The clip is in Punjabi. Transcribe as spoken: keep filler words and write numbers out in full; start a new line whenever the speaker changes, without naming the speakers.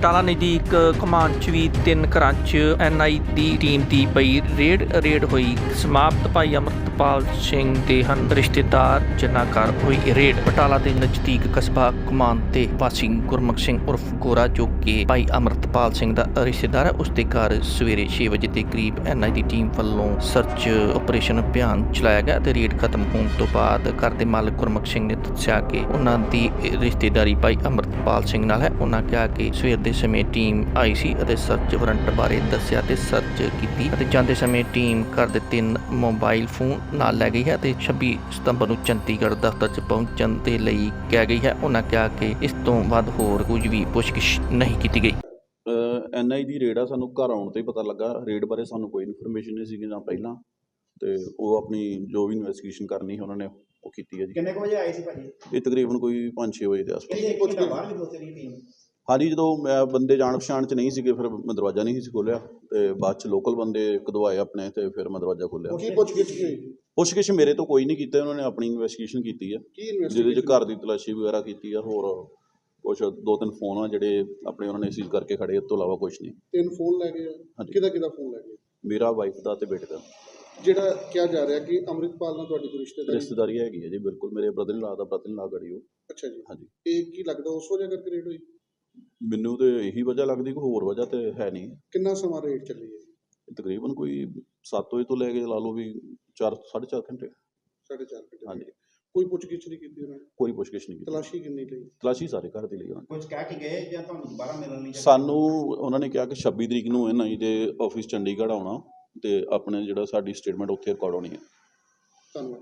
ਬਟਾਲਾ ਨਜ਼ਦੀਕ ਘੁਮਾਣ 'ਚ ਵੀ ਤਿੰਨ ਘਰਾਂ 'ਚ ਐਨ ਆਈ ਦੀ ਟੀਮ ਦੀ ਪਈ ਰੇਡ ਰੇਡ ਹੋਈ। ਸਮਾਪਤ ਭਾਈ ਅਮਰਤਪਾਲ ਸਿੰਘ ਦੇ ਹਨ ਰਿਸ਼ਤੇਦਾਰ ਜਿਨ੍ਹਾਂ ਘਰ ਹੋਈ ਰੇਡ। ਬਟਾਲਾ ਦੇ ਨਜ਼ਦੀਕ ਕਸਬਾ ਘੁਮਾਣ ਦੇ ਵਾਸੀ ਗੁਰਮੁਖ ਸਿੰਘ ਉਰਫ ਗੋਰਾ, ਜੋ ਕਿ ਭਾਈ ਅਮਰਤਪਾਲ ਸਿੰਘ ਦਾ ਰਿਸ਼ਤੇਦਾਰ ਹੈ, ਉਸ ਦੇ ਘਰ ਸਵੇਰੇ ਛੇ ਵਜੇ ਦੇ ਕਰੀਬ ਐਨ ਆਈ ਦੀ ਟੀਮ ਵੱਲੋਂ ਸਰਚ ਆਪਰੇਸ਼ਨ ਅਭਿਆਨ ਚਲਾਇਆ ਗਿਆ ਅਤੇ ਰੇਡ ਖਤਮ ਹੋਣ ਤੋਂ ਬਾਅਦ ਘਰ ਦੇ ਮਾਲਕ ਗੁਰਮੁਖ ਸਿੰਘ ਨੇ ਦੱਸਿਆ ਕਿ ਉਹਨਾਂ ਦੀ ਰਿਸ਼ਤੇਦਾਰੀ ਭਾਈ ਅਮਰਤਪਾਲ ਸਿੰਘ ਨਾਲ ਹੈ। ਉਹਨਾਂ ਕਿਹਾ ਕਿ ਸਵੇਰ ਦੇ ਸਮੇਂ ਟੀਮ ਆਈ ਸੀ ਅਤੇ ਸਰਚ ਵਾਰੰਟ ਬਾਰੇ ਦੱਸਿਆ ਤੇ ਸਰਚ ਕੀਤੀ ਅਤੇ ਜਾਂਦੇ ਸਮੇਂ ਟੀਮ ਘਰ ਦੇ ਤਿੰਨ ਮੋਬਾਈਲ ਫੋਨ ਨਾਲ ਲੈ ਗਈ ਹੈ ਅਤੇ ਛੱਬੀ ਸਤੰਬਰ ਨੂੰ ਚੰਡੀਗੜ੍ਹ ਦਫ਼ਤਰ 'ਚ ਪਹੁੰਚਣ ਦੇ ਲਈ ਕਹਿ ਗਈ ਹੈ। ਉਹਨਾਂ ਕਿਹਾ ਕਿ ਇਸ ਤੋਂ ਵੱਧ ਹੋਰ ਕੁਝ ਵੀ ਪੁੱਛਗਿੱਛ ਨਹੀਂ ਕੀਤੀ ਗਈ।
ਐਨ ਆਈ ਦੀ ਰੇਡ ਆ, ਸਾਨੂੰ ਘਰ ਆਉਣ 'ਤੇ ਹੀ ਪਤਾ ਲੱਗਾ। ਰੇਡ ਬਾਰੇ ਸਾਨੂੰ ਕੋਈ ਇਨਫੋਰਮੇਸ਼ਨ ਨਹੀਂ ਸੀਗੀ ਨਾ ਪਹਿਲਾਂ, ਅਤੇ ਉਹ ਆਪਣੀ ਜੋ ਵੀ ਇਨਵੈਸਟੀਗੇਸ਼ਨ ਕਰਨੀ ਉਹਨਾਂ ਨੇ ਉਹ ਕੀਤੀ ਹੈ ਜੀ।
ਕਿੰਨੇ ਕੁ ਵਜੇ ਆਏ ਸੀ ਭਾਜੀ?
ਇਹ ਤਕਰੀਬਨ ਕੋਈ ਪੰਜ ਛੇ ਵਜੇ ਦੇ ਆਸ-ਪਾਸ।
ਬਾਹਰ ਵੀ ਦੋਸਤ ਦੀ ਟੀਮ
ਹਾਂਜੀ, ਜਦੋਂ ਮੈਂ ਬੰਦੇ ਜਾਣ ਪਛਾਣ 'ਚ ਨਹੀਂ ਸੀਗੇ, ਫਿਰ ਮੈਂ ਦਰਵਾਜ਼ਾ ਨਹੀਂ ਸੀ ਖੋਲ੍ਹਿਆ ਅਤੇ ਬਾਅਦ 'ਚ ਲੋਕਲ ਬੰਦੇ ਕਢਵਾਏ ਆਪਣੇ, ਅਤੇ ਫਿਰ ਮੈਂ ਦਰਵਾਜ਼ਾ ਖੋਲ੍ਹਿਆ।
ਕੀ ਪੁੱਛਗਿੱਛ ਹੋਈ?
ਪੁੱਛਗਿੱਛ ਮੇਰੇ ਤੋਂ ਕੋਈ ਨਹੀਂ ਕੀਤਾ, ਉਹਨਾਂ ਨੇ ਆਪਣੀ ਇਨਵੈਸਟੀਗੇਸ਼ਨ ਕੀਤੀ ਆ, ਜਿਹਦੇ 'ਚ ਘਰ ਦੀ ਤਲਾਸ਼ੀ ਵਗੈਰਾ ਕੀਤੀ ਆ। ਹੋਰ ਕੁਛ ਦੋ ਤਿੰਨ ਫੋਨ ਆ ਜਿਹੜੇ ਆਪਣੇ ਉਹਨਾਂ ਨੇ ਸੀਜ਼ ਕਰਕੇ ਖੜੇ, ਇਸ ਤੋਂ ਇਲਾਵਾ ਕੁਛ ਨਹੀਂ।
ਤਿੰਨ ਫੋਨ ਲੈ ਗਏ ਆ?
ਹਾਂਜੀ।
ਕਿਹਦਾ ਕਿਹਦਾ ਫੋਨ ਲੈ ਗਏ?
ਮੇਰਾ ਵਾਈਫ ਦਾ ਅਤੇ ਬੇਟੇ ਦਾ।
ਜਿਹੜਾ ਕਿਹਾ ਜਾ ਰਿਹਾ ਕਿ ਅੰਮ੍ਰਿਤਪਾਲ ਨਾਲ ਤੁਹਾਡੀ ਕੋਈ ਰਿਸ਼ਤੇਦਾਰੀ?
ਰਿਸ਼ਤੇਦਾਰੀ ਹੈਗੀ ਹੈ ਜੀ, ਬਿਲਕੁਲ। ਮੇਰੇ ਬ੍ਰਦਰ ਇਨ ਲਾ ਦਾ ਬ੍ਰਦਰ ਇਨ ਲਾ ਗੜੀ ਉਹ।
ਅੱਛਾ ਜੀ।
ਹਾਂਜੀ।
ਇਹ ਕੀ ਲੱਗਦਾ ਉਸ ਵਜ੍ਹਾ ਕਰਕੇ ਰੇਡ ਹੋਈ?
ਮੈਨੂੰ ਤੇ ਇਹੀ ਵਜ੍ਹਾ ਲੱਗਦੀ, ਕੋਈ ਹੋਰ ਵਜ੍ਹਾ ਤੇ ਹੈ ਨਹੀਂ।
ਕਿੰਨਾ ਸਮਾਂ ਰੇਡ ਚੱਲੀ ਹੈ?
ਤਕਰੀਬਨ ਕੋਈ ਸੱਤ ਵਜੇ ਤੋਂ ਲੈ ਕੇ ਲਾ ਲਓ ਵੀ ਚਾਰ ਸਾਢੇ ਚਾਰ ਘੰਟੇ।
ਸਾਢੇ ਚਾਰ ਘੰਟੇ।
ਹਾਂਜੀ।
ਕੋਈ ਪੁੱਛਗਿੱਛ ਨਹੀਂ ਕੀਤੀ ਉਹਨਾਂ ਨੇ?
ਕੋਈ ਪੁੱਛਗਿੱਛ ਨਹੀਂ ਕੀਤੀ।
ਤਲਾਸ਼ੀ ਕਿੰਨੀ ਲਈ?
ਤਲਾਸ਼ੀ ਸਾਰੇ ਘਰ ਦੀ ਲਈ ਉਹਨਾਂ ਨੇ।
ਕੁਝ ਕਹਿ ਕੇ ਗਏ ਜਾਂ ਤੁਹਾਨੂੰ ਦੁਬਾਰਾ ਮਿਲਣ ਲਈ?
ਸਾਨੂੰ ਉਹਨਾਂ ਨੇ ਕਿਹਾ ਕਿ ਛੱਬੀ ਤਰੀਕ ਨੂੰ ਐਨ ਆਈ ਦੇ ਆਫਿਸ ਚੰਡੀਗੜ੍ਹ ਆਉਣਾ ਅਤੇ ਆਪਣੇ ਜਿਹੜਾ ਸਾਡੀ ਸਟੇਟਮੈਂਟ ਉੱਥੇ ਰਿਕਾਰਡ ਹੋਣੀ ਹੈ।
ਧੰਨਵਾਦ।